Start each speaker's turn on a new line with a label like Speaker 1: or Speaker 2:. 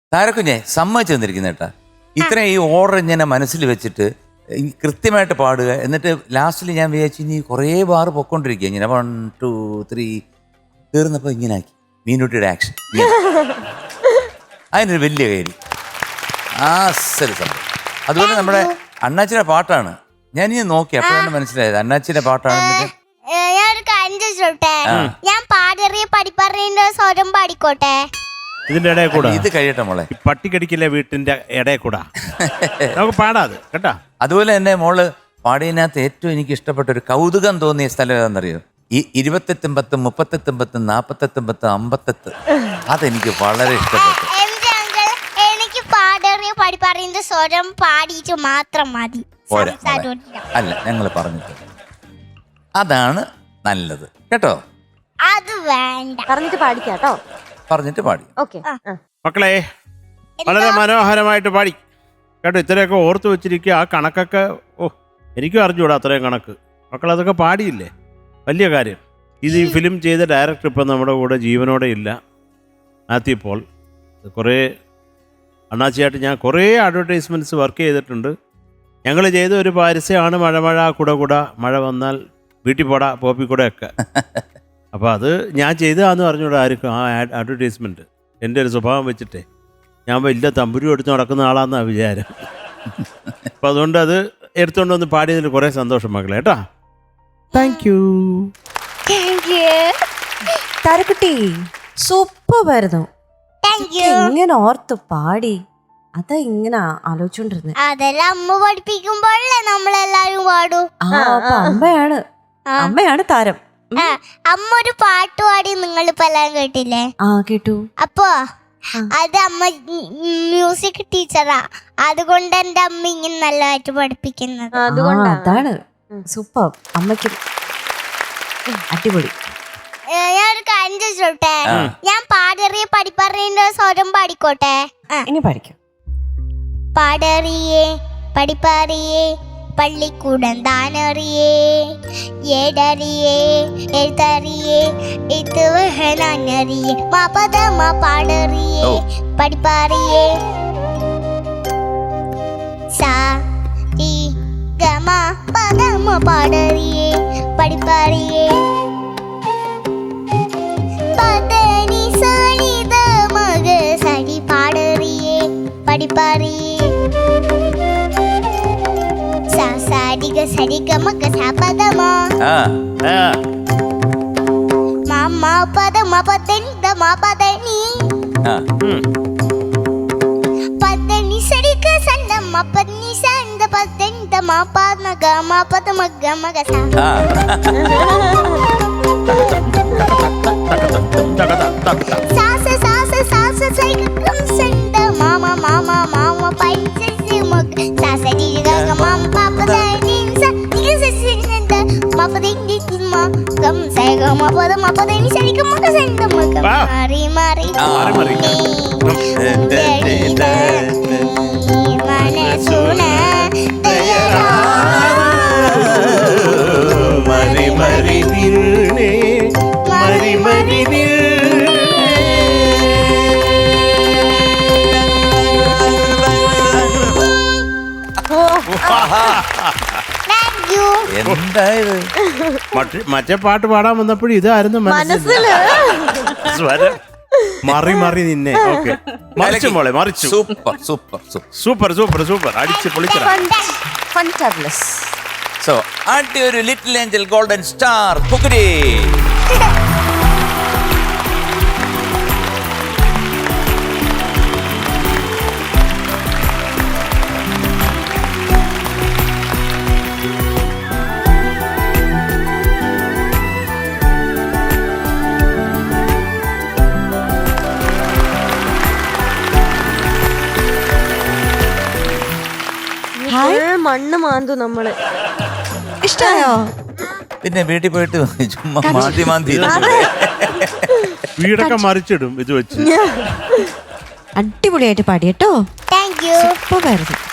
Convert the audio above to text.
Speaker 1: താരക്കുഞ്ഞെ സമ്മതിച്ചു തന്നിരിക്കുന്ന കേട്ടാ. ഇത്രയും ഈ ഓർഡർ ഇങ്ങനെ മനസ്സിൽ വെച്ചിട്ട് കൃത്യമായിട്ട് പാടുക. എന്നിട്ട് ലാസ്റ്റിൽ ഞാൻ വിചാരിച്ചു ഇനി കുറേ ബാറ് പൊക്കോണ്ടിരിക്കുക ഇങ്ങനെ 1 2 3 തീർന്നപ്പോൾ ഇങ്ങനെ ആക്കി മീനുട്ടിയുടെ ആക്ഷൻ. അതിനൊരു വലിയ കാര്യം ആസല് സംഭവം. അതുപോലെ നമ്മുടെ അണ്ണാച്ചിയുടെ പാട്ടാണ്. ഞാനിത് നോക്കി അപ്പോഴാണ് മനസ്സിലായത് അണ്ണാച്ചിയുടെ പാട്ടാണ്.
Speaker 2: ഞാനൊരു കാര്യം ചോദിച്ചോട്ടെ, ഞാൻ പാടറിയ പഠിപ്പറിയ സ്വരം പാടിക്കോട്ടെ?
Speaker 3: ഇതിന്റെ ഇടയിൽ കൂടെ
Speaker 1: ഇത് കഴിയട്ടെ മോളെ.
Speaker 3: പട്ടിക്കടിക്കില്ല വീട്ടിന്റെ ഇടയിൽ കൂടെ നമുക്ക് പാടാത് കേട്ടാ.
Speaker 1: അതുപോലെ തന്നെ മോള് പാടിയതിനകത്ത് ഏറ്റവും എനിക്ക് ഇഷ്ടപ്പെട്ട ഒരു കൗതുകം തോന്നിയ സ്ഥലം ഏതാണെന്നറിയോ? ഈ 28 38 38 48 അതെനിക്ക് വളരെ ഇഷ്ടപ്പെട്ടു.
Speaker 2: എനിക്ക് പാടറിയ പഠിപ്പറിയ സ്വരം പാടിയിട്ട് മാത്രം മതി.
Speaker 1: പോരാ അല്ല, ഞങ്ങൾ പറഞ്ഞിട്ട് അതാണ് നല്ലത് കേട്ടോ.
Speaker 2: അത് വേണ്ട,
Speaker 4: പറഞ്ഞിട്ട് പാടിക്കാട്ടോ.
Speaker 1: പറഞ്ഞിട്ട് പാടി.
Speaker 4: ഓക്കെ
Speaker 3: മക്കളെ വളരെ മനോഹരമായിട്ട് പാടി കേട്ടോ. ഇത്രയൊക്കെ ഓർത്ത് വെച്ചിരിക്കുക. ആ കണക്കൊക്കെ എനിക്കും അറിഞ്ഞൂടാ അത്രയും കണക്ക്. മക്കളതൊക്കെ പാടിയില്ലേ, വലിയ കാര്യം. ഇത് ഈ ഫിലിം ചെയ്ത ഡയറക്ടർ ഇപ്പം നമ്മുടെ കൂടെ ജീവനോടെ ഇല്ല, മാത്യു പോൾ. കുറേ അണ്ണാച്ചിയായിട്ട് ഞാൻ കുറേ അഡ്വർടൈസ്മെൻറ്റ്സ് വർക്ക് ചെയ്തിട്ടുണ്ട്. ഞങ്ങൾ ചെയ്ത ഒരു പരസ്യമാണ് മഴ മഴ കുട കുട, മഴ വന്നാൽ വീട്ടിൽ പോടാ പോപ്പിക്കൂടെയൊക്കെ. അപ്പോൾ അത് ഞാൻ ചെയ്തതാന്ന് പറഞ്ഞൂടെ ആർക്കും ആ അഡ്വർടൈസ്മെൻറ്റ്. എൻ്റെ ഒരു സ്വഭാവം വെച്ചിട്ടേ ഞാൻ വലിയ തമ്പുരു എടുത്ത് നടക്കുന്ന ആളാന്നാണ് വിചാരം. അപ്പം അതുകൊണ്ട് അത് എടുത്തുകൊണ്ട് വന്ന് പാടിയതിൽ കുറേ സന്തോഷം മക്കളെ കേട്ടാ. Thank you.
Speaker 4: താരക്കുട്ടി സൂപ്പറായിരുന്നു. ഇങ്ങനെ ഓർത്ത് പാടി അതാ ഇങ്ങനെ ആലോചിച്ചോണ്ടിരുന്നത്.
Speaker 2: അതെല്ലാം അമ്മ പഠിപ്പിക്കുമ്പോഴല്ലേ നമ്മളെല്ലാരും പാടൂ.
Speaker 4: അമ്മയാണ് താരം.
Speaker 2: അമ്മ ഒരു പാട്ട് പാടി നിങ്ങളിപ്പോ എല്ലാരും കേട്ടില്ലേ?
Speaker 4: കേട്ടു.
Speaker 2: അപ്പൊ അത് അമ്മ മ്യൂസിക് ടീച്ചറാ, അതുകൊണ്ട് എന്റെ അമ്മ ഇങ്ങനെ നല്ലതായിട്ട് പഠിപ്പിക്കുന്നത്.
Speaker 4: അതാണ് സൂപ്പർ. അമ്മയ്ക്ക് അടിപൊളി.
Speaker 2: ഞാനൊരു കാര്യം ചോദിച്ചോട്ടെ, ഞാൻ പാടറിയ പഠിപ്പറിയ സ്വരം പാടിക്കോട്ടെ?
Speaker 4: ഇനി പഠിക്കാം.
Speaker 2: പാടറിയേ പഠിപ്പറിയേ പള്ളിക്കൂടം താനറിയേ, ഏടറിയേ എഴുത്തറിയേ എഴുത്തുവഹനാനറിയേ, മാപദമ പാടറിയേ പഠിപ്പറിയേ, സാ രി ഗ മ പദമ പാടറിയേ പഠിപ്പറിയേ, പദനി സനി ദ മഗ സരി പാടറിയേ പഠിപ്പറിയേ, സരിഗ സരിഗ മഗ സ പദമ മമ പദമ പദനി ദ മ പദനി, പദനി സരിഗ സന്ദ മ പദനി സന്ദ പദനി ദ മ പദ ഗ മ പദ മഗ മഗ സ. സാസ സാസ സാസ സരിഗ സന്ദ മമ മമ മമ പൈസ മഗ സാസ രി ഗ ഗ മ പ പദനി സ രി സ സന്ദ മ പദനി മ ഗം സ ഗ മ പദ മ പദനി സരിഗ മഗ സന്ദ മഗ മാറി മാറി മനസുന ദയരാ
Speaker 3: മരി മരി വീണേ മരി മരി
Speaker 1: എന്തായത്?
Speaker 3: മറ്റേ പാട്ട് പാടാൻ വന്നപ്പോഴും ഇതായിരുന്നു മനസ്സിൽ സ്വരം. മറി മറി നിന്നെ. ഓക്കെ, മറിച്ചു മോളെ, മറിച്ചു.
Speaker 1: Super super
Speaker 3: super super super അടിച്ച് പൊളിച്ചതാ.
Speaker 4: ഫന്റാബുലസ്.
Speaker 1: സോ ആട്ടി ഒരു little angel golden star cookery.
Speaker 4: മണ്ണ് മാന്തു നമ്മള്. ഇഷ്ടായോ?
Speaker 1: പിന്നെ വീട്ടിൽ പോയിട്ട് ചുമ്മാ മാന്തി മാന്തി
Speaker 3: വീടൊക്കെ മറിച്ചിടും ഇത് വെച്ച്.
Speaker 4: അടിപൊളിയായിട്ട് പാടി കേട്ടോ.
Speaker 2: Thank you.
Speaker 4: സൂപ്പറായിരുന്നു.